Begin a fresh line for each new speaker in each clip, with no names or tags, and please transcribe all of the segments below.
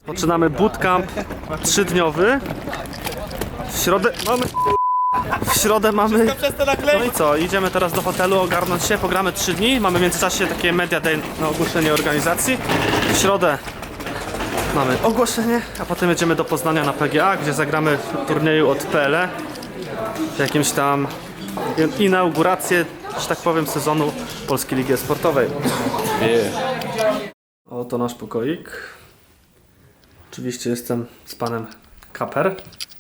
Zaczynamy bootcamp 3-dniowy. W środę mamy... No i co, idziemy teraz do hotelu ogarnąć się, pogramy 3 dni. Mamy w międzyczasie takie media day na ogłoszenie organizacji. W środę mamy ogłoszenie, a potem jedziemy do Poznania na PGA, gdzie zagramy w turnieju od PLE. W jakimś tam inaugurację, że tak powiem, sezonu Polskiej Ligi Sportowej. Oto nasz pokoik. Oczywiście jestem z panem Kaper.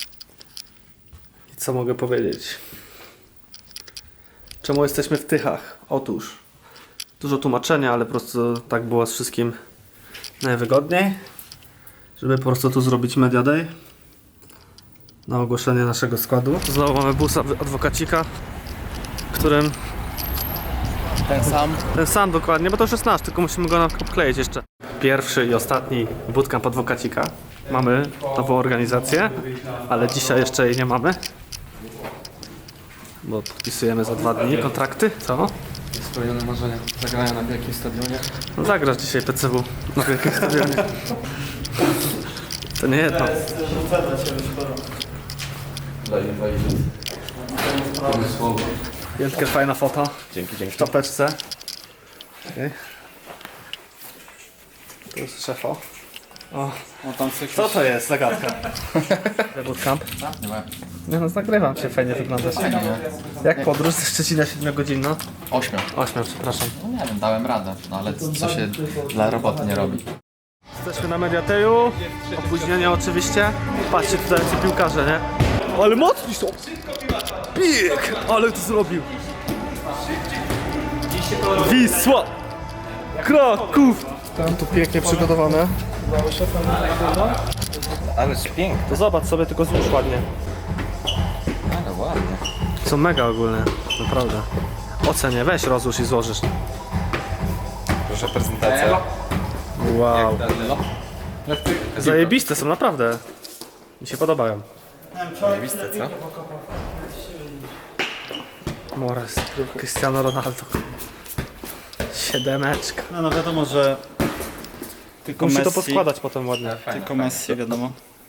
I co mogę powiedzieć? Czemu jesteśmy w Tychach? Otóż dużo tłumaczenia, ale po prostu tak było z wszystkim najwygodniej, żeby po prostu tu zrobić Media Day na ogłoszenie naszego składu. Znowu mamy busa adwokacika, którym ten sam dokładnie, bo to już jest nasz, tylko musimy go obkleić jeszcze. Pierwszy i ostatni bootcamp adwokacika. Mamy nową organizację, ale dzisiaj jeszcze jej nie mamy, bo podpisujemy za 2 dni kontrakty. Co?
Spełnione marzenia. Zagrania na wielkim stadionie.
No zagrasz dzisiaj PCW na wielkim stadionie. To nie jedno. Wielkie fajna foto.
Dzięki.
W czapeczce. Okay. Tu jest szefo. O, co to jest? Zagadka. Bootcamp? Nie no, nagrywam cię, fajnie wyglądasz. Jak podróż ze Szczecina 7-godzinna?
8.
8, przepraszam.
No nie wiem, dałem radę, no ale co się dla roboty nie robi.
Jesteśmy na Mediateju. Opóźnienia oczywiście. Patrzcie tutaj ci piłkarze, nie? Ale mocni są! Pik! Ale to zrobił! Wisła! Kraków! Tam tu pięknie przygotowane.
Ale pięknie.
To zobacz sobie, tylko złóż ładnie.
Ale ładnie.
Są mega ogólnie, naprawdę. Ocenię, weź rozłóż i złożysz.
Proszę prezentacja.
Wow. Zajebiste są, naprawdę. Mi się podobają.
Zajebiste, co?
Mores, Cristiano Ronaldo. 7.
No wiadomo, że tylko
Musi to
Messi,
poskładać potem ładnie.
tylko Messi, wiadomo.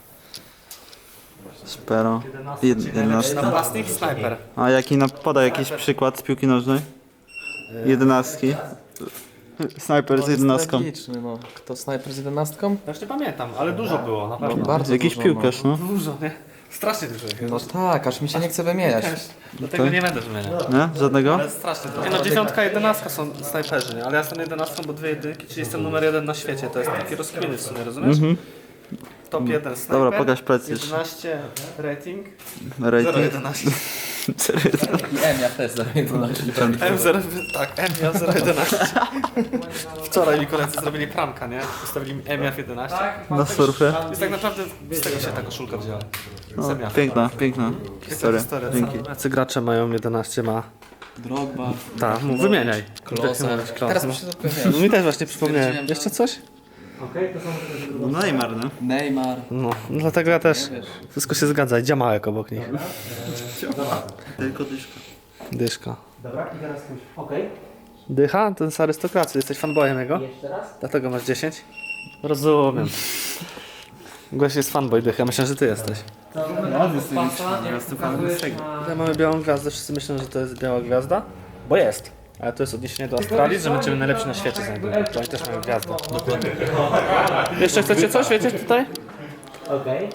Spero. 11.
Napastnik, snajper.
A jaki podaj jakiś przykład z piłki nożnej? 11. Snajper z 11.
Tragiczny, no. Kto snajper z 11?
Ja już nie pamiętam, ale dużo było, na pewno.
Bardzo
Jakiś
dużo,
piłkarz, no.
Dużo, nie? Strasznie dużo.
No tak, aż mi się nie chce wymieniać.
Dlatego nie będę wymieniać.
Nie? Żadnego?
Ale strasznie dużo. Nie no, 9, 11 są snajperzy, nie? Ale ja jestem 11, bo 2 jedynki, czyli jestem numer 1 na świecie. To jest taki rozkminy w sumie, rozumiesz? Top 1 snajper.
Dobra, pokaż pracę.
11 rating.
Rating.
0,11.
I ja też za 11.
M0, tak, M011. Wczoraj mi koledzy zrobili pranka, nie? Postawili mi MF11.
Na surfie.
Jest tak naprawdę z tego się ta koszulka wzięła.
No, piękna historia. Dzięki.
Jacy gracze mają 11 ma?
Drogba.
Tak, wymieniaj.
Klose. Teraz mi się zapomniałem.
No mi też właśnie przypomniałem. Jeszcze coś?
No Neymar, no.
Neymar.
No, dlatego ja też. Wszystko się zgadza. Idzie małek obok nich.
Tylko dyszka.
Dyszka. Dobra, i teraz ktoś. Okej. Dycha? To jest arystokracja. Jesteś fanboyem jego? Jeszcze raz? Dlatego masz 10? Rozumiem. Gość jest fanboy Dycha. Myślę, że ty jesteś. Ja mamy białą gwiazdę. Wszyscy myślą, że to jest biała gwiazda. Bo jest. Ale to jest odniesienie do Australii, że będziemy najlepsi na świecie znajdują. To oni też mają gwiazdę. Jeszcze chcecie coś? Wiecie tutaj? Okej.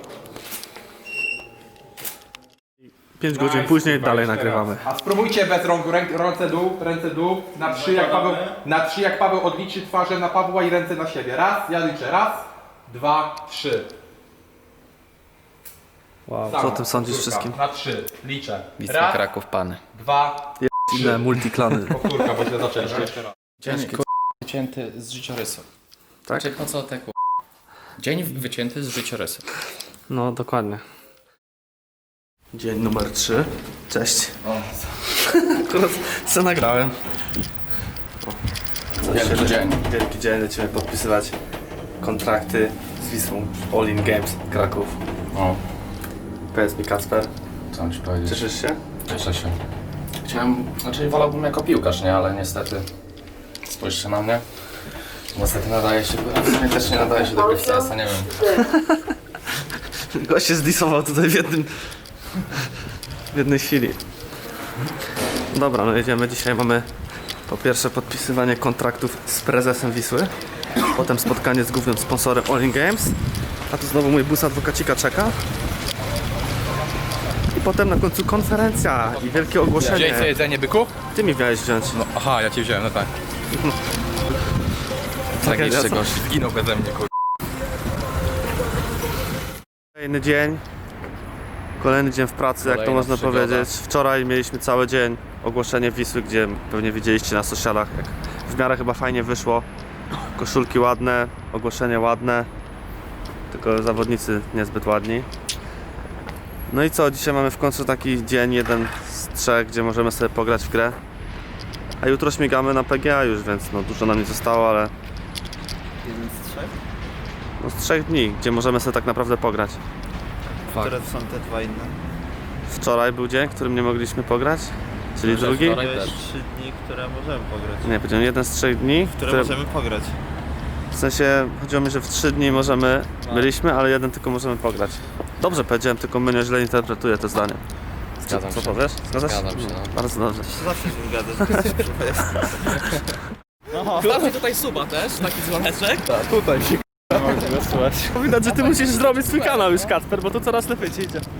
5 godzin później dalej nagrywamy.
A spróbujcie bez rąk, ręce dół, na 3 jak Paweł odliczy twarze na Pawła i ręce na siebie. Raz, ja liczę, raz, 2, 3.
Wow, co o tym sądzisz wszystkim?
Na 3, liczę.
Bitwa
Raz,
Kraków Pany.
2,
Inne multiklany.
powtórka, bo źle zaczęliśmy jeszcze raz.
Dzień wycięty z życiorysu.
Tak?
Czyli po co te Dzień wycięty z życiorysu.
No, dokładnie. Dzień numer 3. Cześć. Akurat co nagrałem.
Wielki dzień.
Wielki dzień, lecimy podpisywać kontrakty z Wisłą All In Games Kraków.
O,
Powiedz mi, Kacper,
co ci powiedzieć?
cieszysz się?
Cieszę się. Wolałbym jako piłkarz, nie? Ale niestety spójrzcie na mnie. Niestety nadaje się, a w sumie też nie nadaje się do BFCS-a, nie wiem.
Gość się zdisował tutaj w jednej chwili. Dobra, no jedziemy. Dzisiaj mamy po pierwsze podpisywanie kontraktów z prezesem Wisły, potem spotkanie z głównym sponsorem All In Games, a tu znowu mój bus adwokacika czeka. I potem na końcu konferencja i wielkie ogłoszenie.
jedzenie, byku?
Ty mi miałeś wziąć.
No, aha, ja cię wziąłem, no tak.
Tragicznie,
Tragicznie gość, zginął beze mnie, kur...
Kolejny dzień. Kolejny dzień w pracy, jak to
Kolejna
można
przygoda.
powiedzieć. Wczoraj mieliśmy cały dzień ogłoszenie Wisły, gdzie pewnie widzieliście na socialach, jak w miarę chyba fajnie wyszło. Koszulki ładne, ogłoszenie ładne, tylko zawodnicy niezbyt ładni. No i co, dzisiaj mamy w końcu taki dzień, jeden z trzech, gdzie możemy sobie pograć w grę. A jutro śmigamy na PGA już, więc no dużo nam nie zostało, ale
Jeden z trzech?
no z 3 dni, gdzie możemy sobie tak naprawdę pograć.
Które są te dwa inne?
Wczoraj był dzień, w którym nie mogliśmy pograć, czyli drugi.
wczoraj
To jest
też.
3 dni, które możemy pograć.
Nie, powiedziałem jeden z 3 dni,
Które
które,
możemy pograć.
w sensie chodziło mi, że w 3 dni możemy, byliśmy, ale jeden tylko możemy pograć. Dobrze powiedziałem, tylko Mynio źle interpretuje to zdanie.
Zgadzam
Co
się.
powiesz? Zgadzasz się?
Zgadzam się, no.
Bardzo dobrze.
To zawsze się zgadzasz.
Klapię tutaj suba też, taki dzwoneczek.
Widać, że ty musisz zrobić swój kanał już, Kacper, bo to coraz lepiej ci idzie.